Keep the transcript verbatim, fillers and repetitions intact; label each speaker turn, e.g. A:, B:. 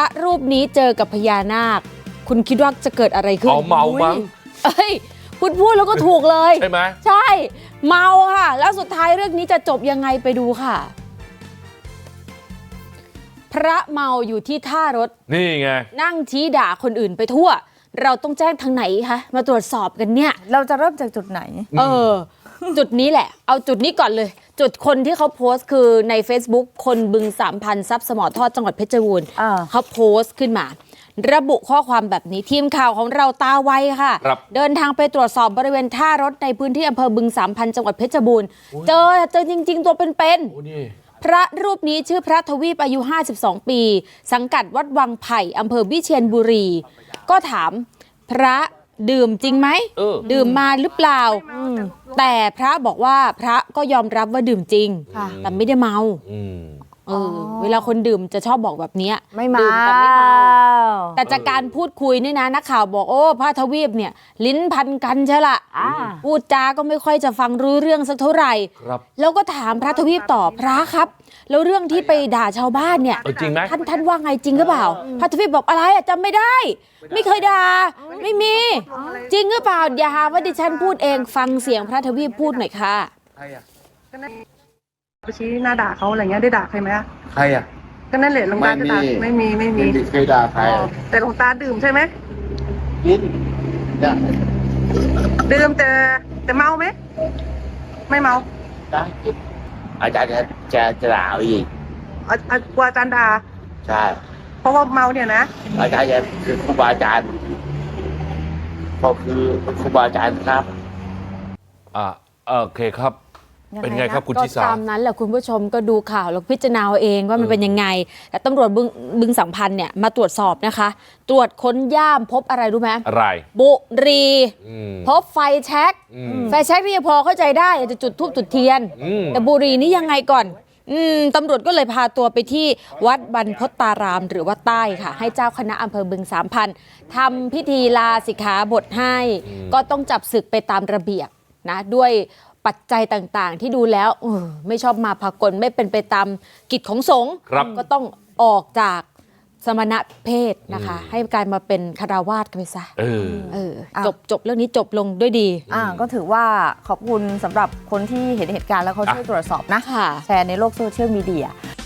A: รูปนี้เจอกับพญานาคคุณคิดว่าจะเกิดอะไรขึ้น
B: เอาเมามั้ง
A: เอ้ยคุณพูดแล้วก็ถูกเลย
B: ใช่ไหม
A: ใช่เมาค่ะแล้วสุดท้ายเรื่องนี้จะจบยังไงไปดูค่ะพระเมาอยู่ที่ท่ารถ
B: นี่ไง
A: นั่งชี้ด่าคนอื่นไปทั่วเราต้องแจ้งทางไหนคะมาตรวจสอบกันเนี่ย
C: เราจะเริ่มจากจุดไหน
A: เออ จุดนี้แหละเอาจุดนี้ก่อนเลยจุดคนที่เขาโพสต์คือใน Facebook คนบึงสามพันทรัพย์สมอทอดจังหวัดเพชรบูรณ์เขาโพสต์ขึ้นมาระบุข้อความแบบนี้ทีมข่าวของเราตาไวค่ะเดินทางไปตรวจสอบบริเวณท่ารถในพื้นที่อำเภอบึงสามพันจังหวัดเพชรบูรณ์เจอเจอจริงๆตัวเป็นๆพระรูปนี้ชื่อพระทวีปอายุห้าสิบสองปีสังกัดวัดวังไผ่อำเภอวิเชียรบุรีก็ถามพระดื่มจริงไหมดื่มมาหรือเปล่าแต่พระบอกว่าพระก็ยอมรับว่าดื่มจริงแต่ไม่ได้เมาเออเวลาคนดื่มจะชอบบอกแบบนี้
C: ไม่เมา
A: แต่ไม่เมาแต่จากการพูดคุยนี่นะนักข่าวบอกโอ้พระทวีปเนี่ยลิ้นพันกันใช่ละพูดจาก็ไม่ค่อยจะฟังรู้เรื่องสักเท่าไหร่แล้วก็ถามพระทวีปต่อพระครับแล้วเรื่องที่ไปด่าชาวบ้านเนี่ย
B: จริงไหม
A: ท่านท่านว่าไงจริงหรือเปล่าพระทวีปบอกอะไรอะจำไม่ได้ไม่เคยด่าไม่มีจริงหรือเปล่าอย่าหาว่าดิฉันพูดเองฟังเสียงพระทวีปพูดหน่อยค่ะ
D: ไปชี้หน้าด่าเขาอะไรเงี้ยได้ด่าใครไหมอะ
E: ใครอ่ะ
D: ก็นั่นแหละหลวงตาจะด่าไม่มีไม่มี
E: ไม่เคยด่าใคร
D: แต่หลวงตาดื่มใช่ไหม
E: กินด่า
D: ดื่มแต่แต่เมาไหมไม่เมา
E: ได้กินอาจารย์จะจะจะด่าอีก
D: อากลัวอาจารย์ด่า
E: ใช่
D: เพราะว่าเมาเนี่ยนะ
E: อาจารย์จะคือครูบาอาจารย์เขาคือครูบาอาจารย์ครับ
B: อ่าโอเคครับเป็นไงครับคุณชิสา
A: ก็ตามนั้นแหละคุณผู้ชมก็ดูข่าวแล้วพิจารณาเองว่ามันเป็นยังไงแต่ตำรวจบึงบึงสัมพันธ์เนี่ยมาตรวจสอบนะคะตรวจค้นย่ามพบอะไรรู้ไหม
B: อะไร
A: บุหรี่พบไฟแช็กไฟแช็กที่พอเข้าใจได้จะจุดธูปจุดเทียนแต่บุหรี่นี่ยังไงก่อนอืมตำรวจก็เลยพาตัวไปที่วัดบรรพตตารามหรือว่าใต้ค่ะให้เจ้าคณะอำเภอบึงสามพันทำพิธีลาสิกขาบทให้ก็ต้องจับศึกไปตามระเบียบนะด้วยปัจจัยต่างๆที่ดูแล้วเออไม่ชอบมาพากลไม่เป็นไปตามกิจของสงฆ์ก็ต้องออกจากสมณเพศนะคะให้กลายมาเป็นคฤหัสถ์กันไปซะเออเออจบจบเรื่องนี้จบลงด้วยดี
C: อ่าก็ถือว่าขอบคุณสำหรับคนที่เห็นเหตุการณ์แล้วเขาช่วยตรวจสอบนะแชร์ในโลกโซเชียลมีเดีย